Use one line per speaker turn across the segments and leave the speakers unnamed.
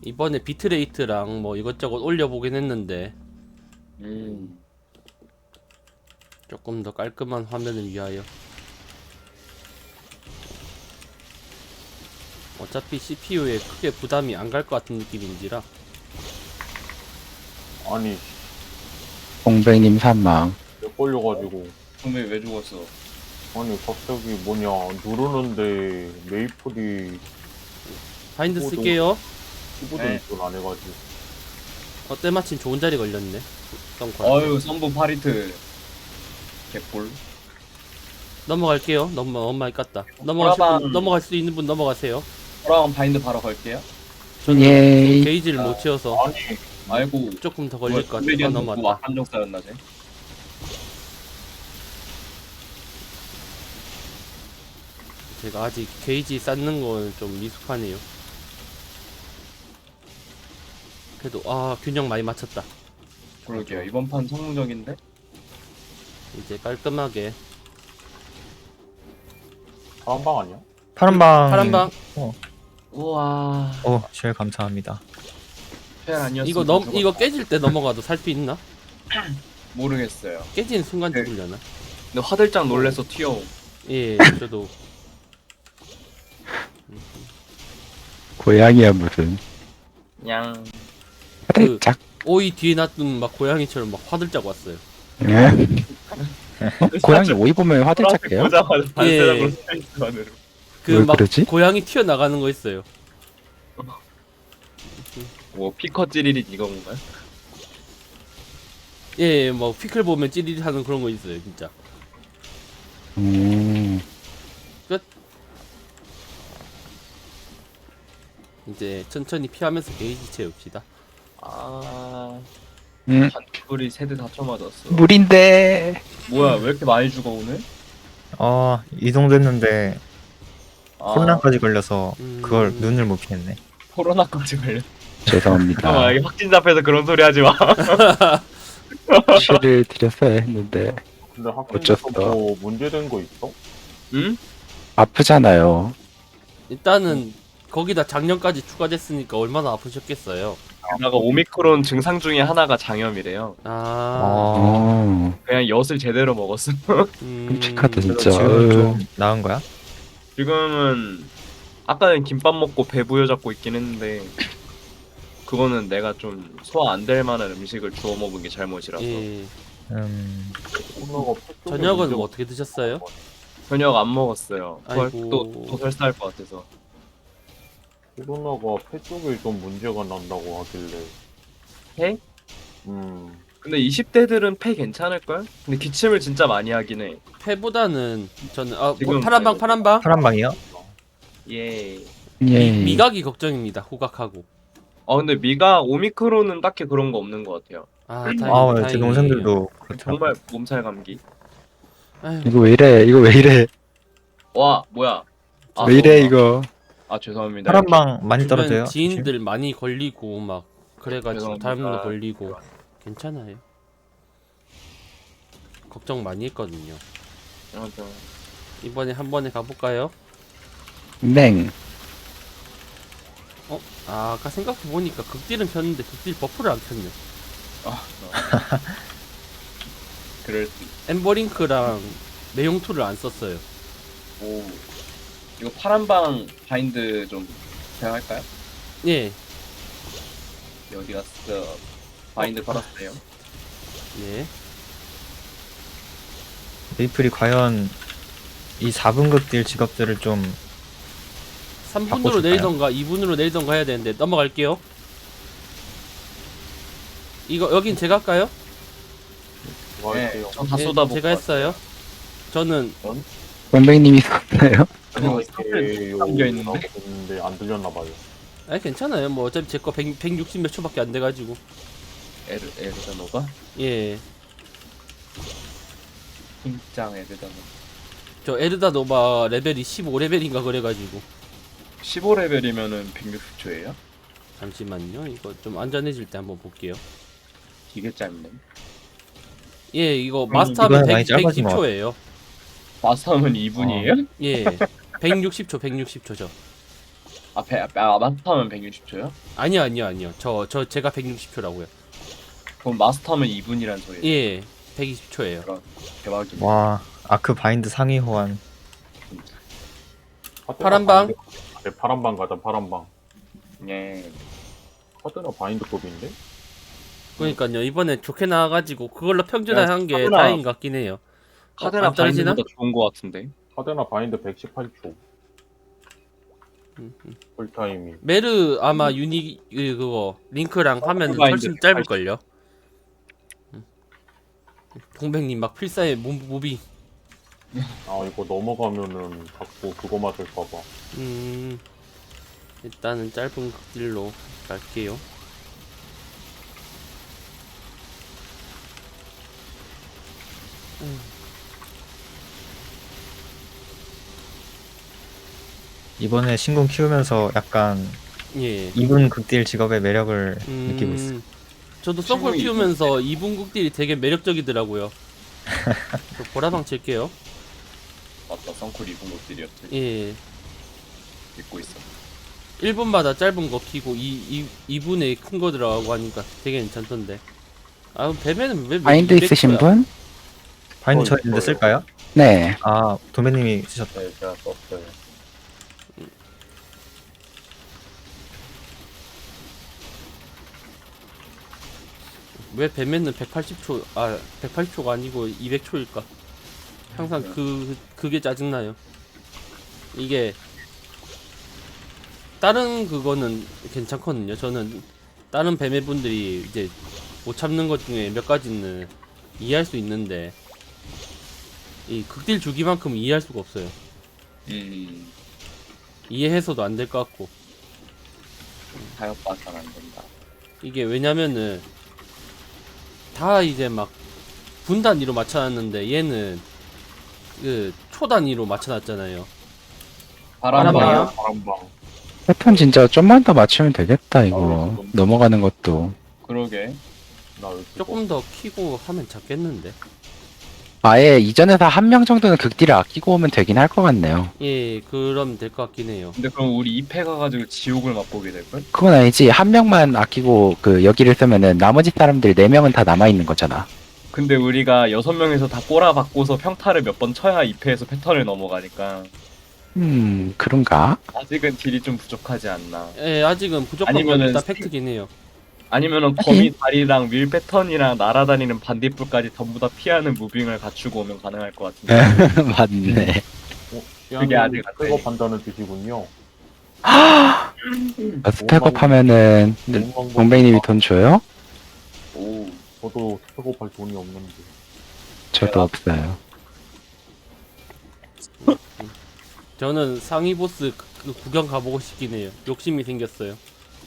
이번에 비트레이트랑 뭐 이것저것 올려보긴 했는데 조금 더 깔끔한 화면을 위하여. 어차피 CPU에 크게 부담이 안 갈 것 같은 느낌인지라.
아니,
공백님 사망.
렉 걸려가지고.
분명히 왜 죽었어?
아니, 갑자기 뭐냐, 누르는데 메이플이
바인드
오,
쓸게요.
키보드
네.
인식을 안 해가지고.
때마침 좋은 자리 걸렸네.
어유 선부 파리트 개꿀.
넘어갈게요. 너무 많이 깠다.
브라방.
넘어갈 수 있는 분 넘어가세요.
저랑 바인드 바로 걸게요.
저는
예이.
게이지를 못 채워서
아니,
아이고
조금 더 걸릴 것 같아서
뭐
넘어갔다.
한정 쌓였나 쟤?
제가 아직 게이지 쌓는 건 좀 미숙하네요. 그래도 균형 많이 맞췄다.
그러게요. 이번 판 성공적인데?
이제 깔끔하게
파란방 아니야?
파란방.
파란방.
우와.
제일 감사합니다.
페알 아니었어.
이거 깨질 때 넘어가도 살 수 있나?
모르겠어요.
깨지는 순간
네.
죽으려나?
근데 화들짝 놀래서 튀어옴.
예, 저도
고양이야 무슨.
냥.
화들짝.
오이 뒤에 놔둔 막 고양이처럼 막 화들짝 왔어요.
예? 고양이 오이 보면 화들짝해요?
보자마자
반사적으로
반사적으로 스페이스 안으로.
왜
막
그러지?
고양이 튀어나가는 거 있어요.
뭐 피커 찌리릿 이건가요?
예, 뭐 피클 보면 찌릿 하는 그런 거 있어요, 진짜. 이제 천천히 피하면서 게이지 채웁시다.
반풀이 세대 다 쳐맞았어.
물인데.
뭐야 왜 이렇게 많이 죽어 오늘?
이동됐는데 코로나까지 걸려서
음.
그걸 눈을 못 피했네.
코로나까지 걸려.
죄송합니다.
이게 확진자 앞에서 그런 소리 하지 마.
치를 드렸어야 했는데
근데
어쩌어.
학교에서 뭐 문제된 거 있어?
응?
아프잖아요.
일단은 거기다 작년까지 추가됐으니까 얼마나 아프셨겠어요.
게다가 오미크론 증상 중에 하나가 장염이래요. 그냥 엿을 제대로 먹었어.
끔찍하다
그래서
진짜.
지금 좀 나은 거야?
지금은 아까는 김밥 먹고 배 부여잡고 있긴 했는데 그거는 내가 좀 소화 안 될 만한 음식을 주워 먹은 게 잘못이라서.
예.
코로나가 폐 쪽에
저녁은
문제가
뭐 어떻게 드셨어요?
저녁 안 먹었어요.
아이고.
또 설사할 것 같아서.
코로나가 폐 쪽에 좀 문제가 난다고 하길래.
폐?
음,
근데 20대들은 폐 괜찮을걸? 근데 기침을 진짜 많이 하긴 해.
패보다는 저는
지금
파란방.
파란방이요?
예.
예.
미각이 걱정입니다. 후각하고.
근데 미가 오미크론은 딱히 그런 거 없는 것 같아요.
다행이에요.
제 동생들도 그렇더라고.
정말 몸살 감기.
아유,
이거 왜 이래? 이거 왜 이래?
와 뭐야?
왜 이래 이거?
죄송합니다.
파란방 많이
주변
떨어져요?
지인들 많이 걸리고 막 그래가지고
죄송합니다.
다음도 걸리고 괜찮아요. 걱정 많이 했거든요.
맞아.
이번에 한 번에 가볼까요?
냉.
아까 생각해보니까 극딜은 켰는데 극딜 버프를 안 켰네.
그럴 수.
엠버링크랑 내용툴을 안 썼어요.
오. 이거 파란방 바인드 좀 제가 할까요?
예,
어디 갔어? 바인드 걸었어요.
네.
메이플이 과연 이 4분급 딜 직업들을 좀
3분으로
바꿔줄까요?
내리던가 2분으로 내리던가 해야 되는데 넘어갈게요. 여긴 제가 할까요?
뭐
네,
할게요?
전 다
예,
쏟아붓고.
제가 했어요. 저는
공백님이 썼나요?
그리고
이렇게
담겨 있는데.
있는데 안 들렸나 봐요.
괜찮아요. 뭐 어차피 제 거 160 몇 초밖에 안 돼가지고.
에르다노가?
예,
팀장 에르다노.
저 에르다 노바 레벨이 15레벨인가 그래가지고.
15레벨이면은 160초예요?
잠시만요. 이거 좀 안전해질 때 한번 볼게요.
되게 짧네.
예, 이거 마스터하면
이거는 많이 짧아진 것
110초예요.
마스터하면 2분이에요?
예, 160초 저.
마스터하면 160초요?
아니요. 제가 160초라고요.
그럼 마스터하면 2분이란 소리예요.
예, 120초예요.
대박이네.
와 아크 바인드 상위 호환.
파란 방?
네, 파란 방 가자, 파란 방.
예.
카드나 바인드급인데?
그러니까요. 이번에 좋게 나와가지고 그걸로 평준화한 게
카드나-
다행인 것 같긴 해요.
카드나
안 떨어지나?
바인드보다 좋은 거 같은데.
카드나 바인드 118초. 풀타이밍.
메르 아마 그거 링크랑 하면
바인드
훨씬 짧을걸요. 동백님 막 필사에 모비.
아, 이거 넘어가면은 자꾸 그거 맞을까봐.
일단은 짧은 극딜로 갈게요.
이번에 신궁 키우면서 약간
예.
이분 극딜 직업의 매력을 느끼고 있어요.
저도 서클
친구이-
키우면서 2분 극딜이 되게 매력적이더라고요. 저 보라방 칠게요.
맞다, 선쿨 2분 것들이었지.
예.
믿고 있어.
1분마다 짧은 거 키고 2분에 큰 거 들어가고 하니까 되게 괜찮던데. 아, 뱀에는 왜
바인드
200
있으신
초야?
분?
바인드 저 있는데
있어요.
쓸까요?
네.
아 도매님이 쓰셨다.
네, 제가 썼어요.
왜 뱀에는 180초, 180초가 아니고 200초일까? 항상 그게 짜증나요. 이게, 다른 그거는 괜찮거든요. 저는, 다른 뱀의 분들이 이제 못 참는 것 중에 몇 가지는 이해할 수 있는데, 이 극딜 주기만큼 이해할 수가 없어요. 이해해서도 안 될 것 같고.
타협 봐선 안 된다.
이게 왜냐면은 다 이제 막 분 단위로 맞춰놨는데 얘는 그 초 단위로 맞춰놨잖아요.
바람
바람방이요?
방.
파란 방.
패턴 진짜 좀만 더 맞추면 되겠다, 이거. 넘어가는 것도.
그러게.
나 왜 이렇게
조금 더 키고 하면 잡겠는데.
아예 이전에서 한 명 정도는 극딜을 아끼고 오면 되긴 할 것 같네요.
예, 그럼 될 것 같긴 해요.
근데 그럼 우리 2패 가가지고 지옥을 맛보게 될걸?
그건 아니지. 한 명만 아끼고 그 여기를 쓰면은 나머지 사람들 4명은 다 남아있는 거잖아.
근데 우리가 6명에서 다 꼬라박고서 평타를 몇 번 쳐야 2패에서 패턴을 넘어가니까
그런가?
아직은 딜이 좀 부족하지 않나.
예, 아직은 무조건
아니면은
일단
스킬-
팩트긴 해요.
아니면은 거미 다리랑 윌 패턴이랑 날아다니는 반딧불까지 전부 다 피하는 무빙을 갖추고 오면 가능할 것 같은데.
맞네.
그게 아직 안 돼.
그거 판단을 주시군요.
스펙업 하면은 동백님이 돈 줘요?
오.
저도 스펙업할 돈이 없는데.
저도 없어요.
저는 상위 보스 그 구경 가보고 싶긴 해요. 욕심이 생겼어요.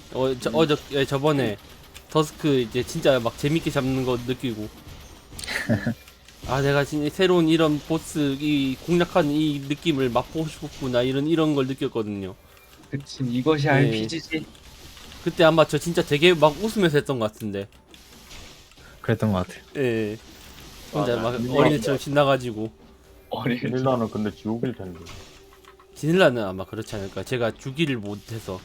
저번에 더스크 이제 진짜 막 재밌게 잡는 거 느끼고. 아, 내가 진짜 새로운 이런 보스 이 공략하는 이 느낌을 맛보고 싶었구나 이런 걸 느꼈거든요.
그치, 이것이
네.
RPG지.
그때 아마 저 진짜 되게 막 웃으면서 했던 것 같은데.
그랬던 것 같아요.
예. 혼자
맞아.
막 어린애처럼 신나가지고.
어린.
닐라는 근데 지옥일 텐데.
지닐라는 아마 그렇지 않을까. 제가 주기를 못해서.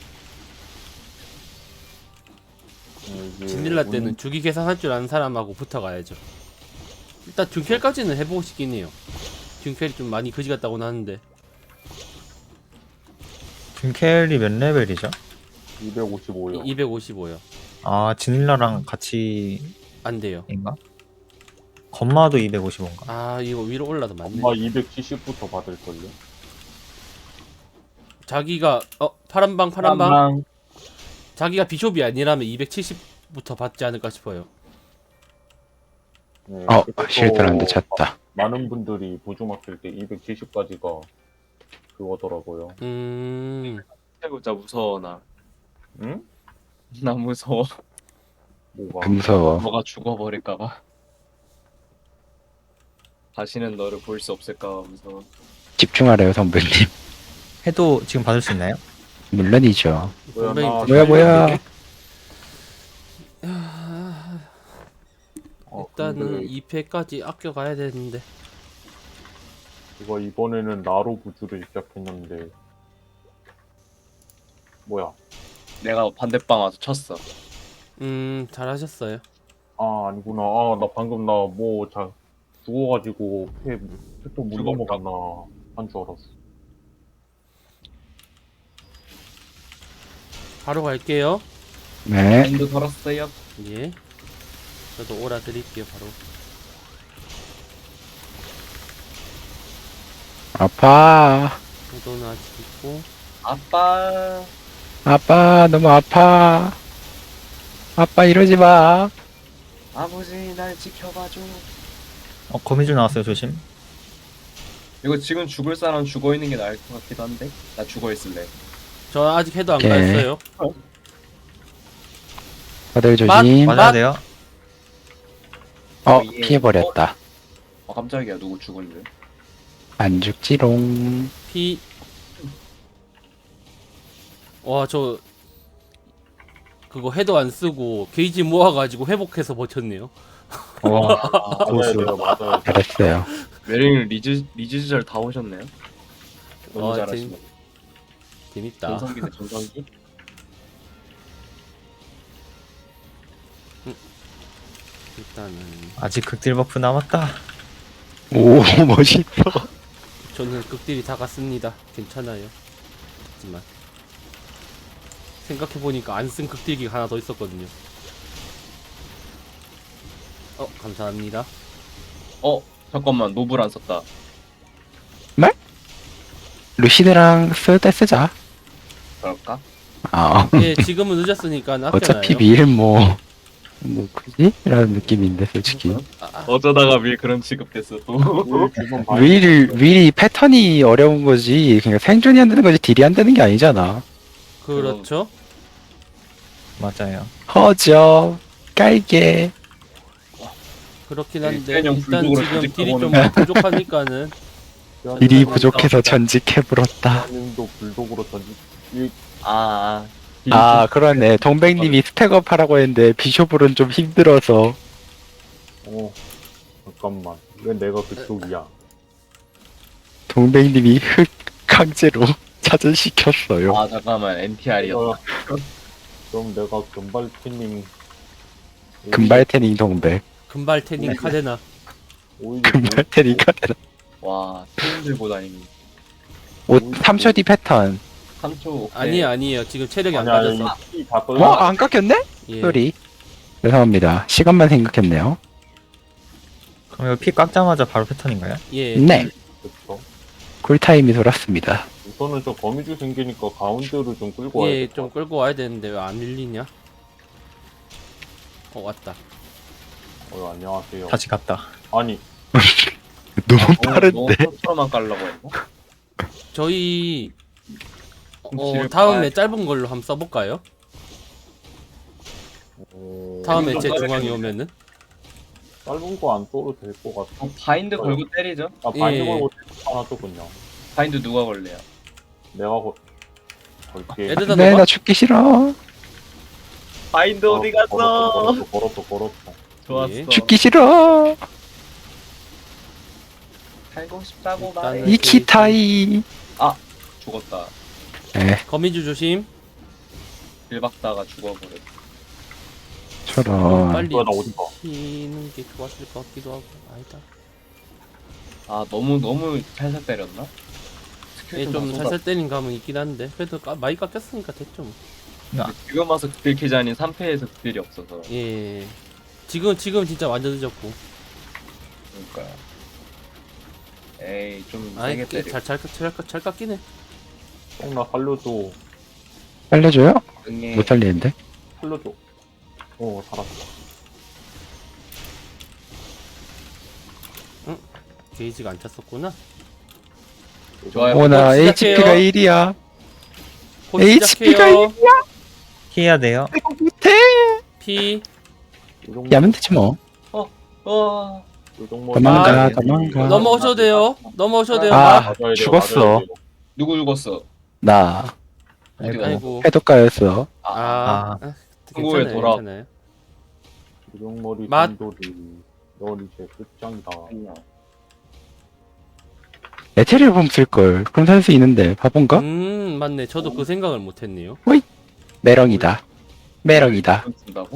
이게
지닐라 때는 주기 계산할 줄 아는 사람하고 붙어가야죠. 일단 듀켈까지는 해보고 싶긴 해요. 듀켈이 좀 많이 그지 같다고는 하는데.
둠켈이 몇 레벨이죠?
255요.
255요.
아 지닐라랑 같이
안 돼요.
인가? 건마도 255인가?
아, 이거 위로 올라도 맞네.
엄마 270부터 받을걸요?
자기가 파란방 자기가 비숍이 아니라면 270부터 받지 않을까 싶어요.
네,
실드란드 찼다.
많은 분들이 보조 맡길 때 270까지가 그거더라고요.
진짜 무서워 나.
응?
나 무서워.
뭐가?
무서워.
너가 죽어버릴까봐. 다시는 너를 볼 수 없을까봐 무서워.
집중하래요, 선배님.
해도 지금 받을 수 있나요?
물론이죠.
동백이
뭐야,
뭐야.
일단은 2패까지 아껴가야 되는데.
이거 이번에는 나로 구주를 시작했는데 뭐야?
내가 반대방 와서 쳤어.
잘하셨어요.
아, 아니구나. 아, 나 방금 나 뭐 죽어가지고 패또 물
죽었다.
넘어갔나 한 줄 알았어.
바로 갈게요.
네.
바인드 걸었어요.
예. 저도 오라 드릴게요, 바로.
아파.
저도는 아직 있고.
아빠.
아빠, 너무 아파. 아빠, 이러지 마.
아버지 날 지켜봐줘.
거미줄 나왔어요. 조심.
이거 지금 죽을 사람 죽어 있는 게 나을 것 같기도 한데. 나 죽어 있을래.
저 아직 해도 안
오케이.
갔어요.
다들 조심.
맞아야 돼요.
어,
예.
피해버렸다.
깜짝이야. 누구 죽은 줄.
안 죽지롱.
피. 와, 저 그거 해도 안 쓰고 게이지 모아가지고 회복해서 버텼네요.
와,
맞아야
고수.
돼요, 맞아야 돼.
잘했어요.
메링 리즈절 다 오셨네요. 너무
아,
잘하시네.
재밌다.
전성기네 전성기.
일단은
아직 극딜 버프 남았다.
오, 멋있어.
저는 극딜이 다 갔습니다. 괜찮아요. 하지만 생각해보니까 안 쓴 극딜기가 하나 더 있었거든요. 감사합니다.
잠깐만 노블 안 썼다.
루시드랑 쓸 때 쓰자.
그럴까?
아,
예, 지금은 늦었으니까 아껴놔요.
어차피 밀 뭐 굳이? 라는 느낌인데, 솔직히.
어쩌다가 밀 그런 취급됐어 또.
지금
윌이 패턴이 어려운 거지. 그러니까 생존이 안 되는 거지, 딜이 안 되는 게 아니잖아.
그렇죠.
맞아요.
허접, 깔게.
그렇긴 한데
일단
일단
불독으로
지금 딜이 좀
조직해보는
부족하니까는
딜이 부족해서 전직해버렸다.
님도 불독으로 던지.
아.
아, 그러네. 동백님이 스택업 하라고 했는데, 비숍으로는 좀 힘들어서.
잠깐만. 왜 내가 그쪽이야?
동백님이 흑 강제로 차전시켰어요.
아 잠깐만 NTR이었다.
그럼 내가 금발티님
금발태닝 동백.
금발 태닝 카데나.
오히려
금발태닝가
와 팀들보다니.
옷 3초 뒤 패턴.
3초.
아니에요. 지금 체력이 안
아니야,
빠졌어.
이다 떨.
어? 안 깎였네?
예.
소리. 죄송합니다. 시간만 생각했네요.
그럼 이거 피 깎자마자 바로 패턴인가요?
예.
네.
그쵸.
쿨타임이 돌았습니다.
우선은 저 거미줄 생기니까 가운데로 좀 끌고 와야
예,
돼.
좀 끌고 와야 되는데 왜 안 밀리냐? 왔다.
안녕하세요.
다시 갔다.
아니,
너무
너무
빠른데?
서로만 깔라고 했나?
저희
뒤를
다음에
봐야-
짧은 걸로 한번 써볼까요? 다음에 제 중앙이 오면은
짧은 거 안 떠도 될 것 같아.
바인드 걸고 때리죠.
아, 바인드
예.
걸고 하나 또 그냥.
바인드 누가 걸래요?
내가 걸게.
에르다
네,
너가
나 죽기 싫어.
바인드 어디 갔어?
걸었어.
좋았어.
예.
죽기 싫어.
살고 싶다고
일단은-
말해.
이키타이.
죽었다.
네,
거미줄 조심.
빌박다가 죽어버려.
저런.
빨리
뭐야, 나 어디 가?
치는 게 좋았을 것 같기도 하고 아니다.
아 너무 살살 때렸나? 스킬
예,
좀
좀
쏟아.
살살 때린 감은 있긴 한데 그래도 많이 깎였으니까 됐죠 뭐.
지금 와서 극딜 키자니 3패에서 극딜이 없어서.
예. 지금 진짜 완전 늦었고.
그러니까. 에이 좀
아이
세게 때려.
잘 깎이네.
나 살려줘.
살려줘요?
응애.
못 살리는데?
살려줘. 살았어.
게이지가 안 찼었구나.
좋아요.
오나
시작해요.
HP가 1이야.
곧
HP가
시작해요.
피해야 돼요.
못해.
피.
야면 되지 뭐.
와.
도망가,
아,
도망가.
넘어오셔도 돼요. 넘어오셔도 돼요.
아, 죽었어.
누구 죽었어?
나
어디 가서?
아이고.
해독가였어.
아.
한국에
괜찮아요.
돌아.
괜찮아요.
요정머리
맛.
단돌이 넌 이제 끝장이다.
에테리얼 쓸걸. 그럼 살 수 있는데 바본가?
맞네. 저도 그 생각을 못했네요.
매렁이다. 매렁이다.
이건 쓴다고?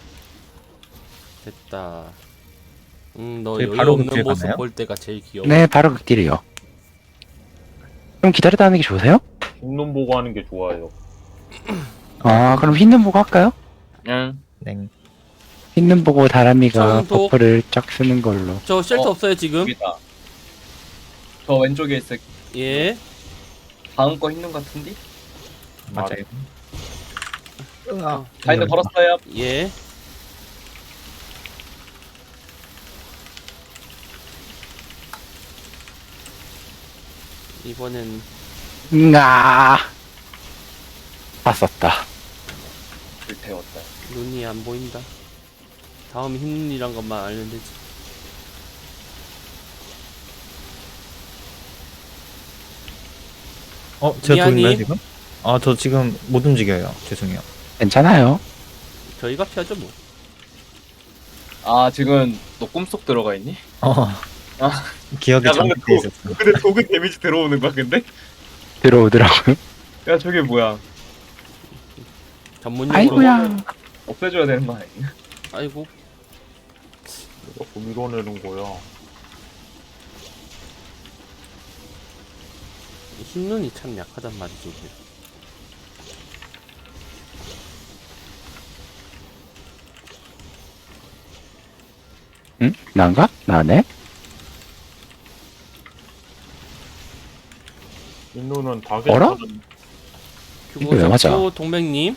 됐다. 너
저희
여유
바로
없는
극딜
모습
가나요?
볼 때가 제일 귀여워.
네, 바로 극딜이요. 그럼 기다리다 하는 게 좋으세요?
흰눈 보고 하는 게 좋아요.
아, 그럼 흰눈 보고 할까요?
그냥
네.
흰눈 보고 다람이가
청도.
버프를 쫙 쓰는 걸로.
저 쉘터
어,
없어요 지금?
여기다. 저 왼쪽에 있을
예.
다음 거 있는 것 같은데?
맞아요.
바인드 걸었어요.
예. 이번엔
다 썼다.
불태웠다.
눈이 안 보인다. 다음 흰 눈이란 것만 알면 되지.
제가
미안님.
보이나요 지금? 저 지금 못 움직여요. 죄송해요.
괜찮아요.
저희가 피하죠 뭐.
아 지금 너 꿈속 들어가 있니?
기억이
야, 근데
잠식돼 있었어.
근데 도구 데미지 들어오는 거야 근데?
들어오더라고요.
야 저게 뭐야?
전문용어로.
아이고야.
없애줘야 되는 거 아니야?
아이고.
자꾸 밀어내는 거야.
흰 눈이 참 약하단 말이지. 이게.
응? 난가? 나네?
흰눈은 다
어라?
괜찮은,
이거 왜 맞아?
규고 동백님.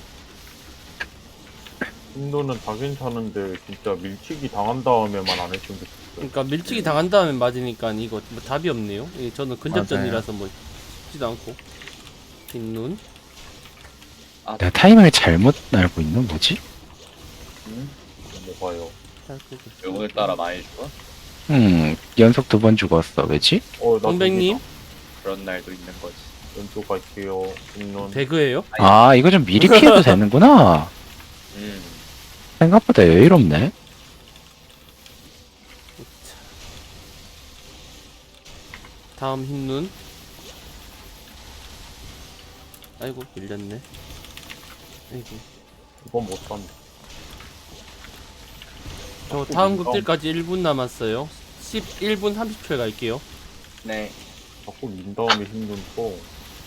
흰눈은 다 괜찮은데 진짜 밀치기 당한 다음에만 안 했으면 좋겠어요.
그러니까 밀치기 당한 다음에 맞으니까 이거 뭐 답이 없네요. 이게 저는 근접전이라서 뭐 쉽지도 않고. 흰 눈.
내가 타이밍을 잘못 알고 있는 뭐지?
뭐가요?
오늘따라 많이 죽어?
연속 2번 죽었어. 왜지?
나
동백님.
그런 날도 있는 거지.
왼쪽 갈게요. 흰눈.
배그예요?
아, 이거 좀 미리 피해도 되는구나. 생각보다 여유롭네.
다음 흰 눈. 아이고 밀렸네. 아이고.
이건 못 산다.
저 다음 극딜까지 1분 남았어요. 11분 30초에 갈게요.
네.
자꾸 민 다음에 흰눈 또.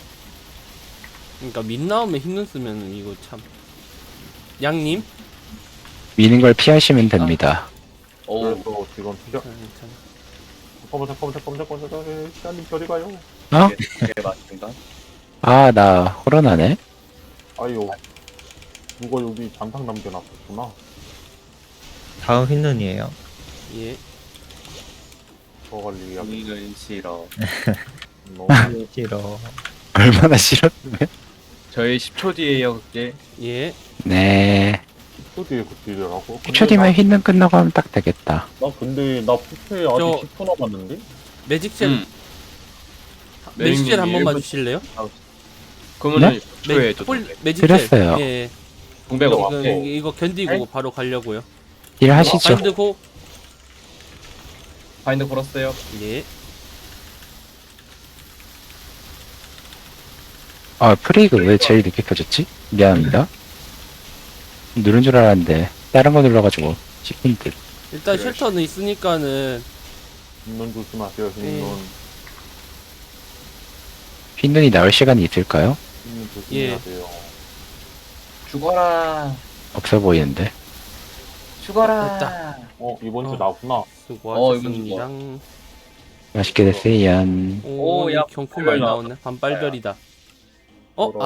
그러니까 민 나오면 흰 눈 쓰면 이거 참. 양님.
미는 걸 피하시면 됩니다.
오.
그래서 지금 피자.
참.
잠깐만. 시간님 저리 가요.
어?
네 맞습니다.
아, 나 호러나네.
아유. 누가 여기 잔상 남겨놨었구나.
다음 흰눈이에요.
예.
저 관리야.
이는 싫어.
너무
싫어.
얼마나 싫었으면.
저희 10초 뒤에요 그게.
예.
네.
뒤에 극딜이라고?
10초 뒤면 흰눈 끝나고 하면 딱 되겠다.
나 근데 나 푸페 아직 10초 남았는데?
매직젤. 매직젤 한 번만 주실래요?
그러면은 10초에 저
매직젤.
드렸어요.
예.
동백
이거
없고.
이거 견디고 바로 가려고요.
일 하시죠.
바인드 고.
바인드 걸었어요.
예.
아, 프레이그 왜 제일 늦게 켜졌지? 미안합니다. 누른 줄 알았는데 다른 거 눌러가지고 씹힌 듯.
일단
그래.
쉘터는 있으니까는
흰눈 조심하세요. 흰눈.
흰눈이 나올 시간이 있을까요?
흰눈 조심해야 돼요.
죽어라.
없어 보이는데.
죽어라.
됐다.
이번 주
어.
나구나.
수고하셨습니다.
맛있게 됐어요.
오,
오, 야,
경품 많이
빨별
나오네. 반빨별이다. 어?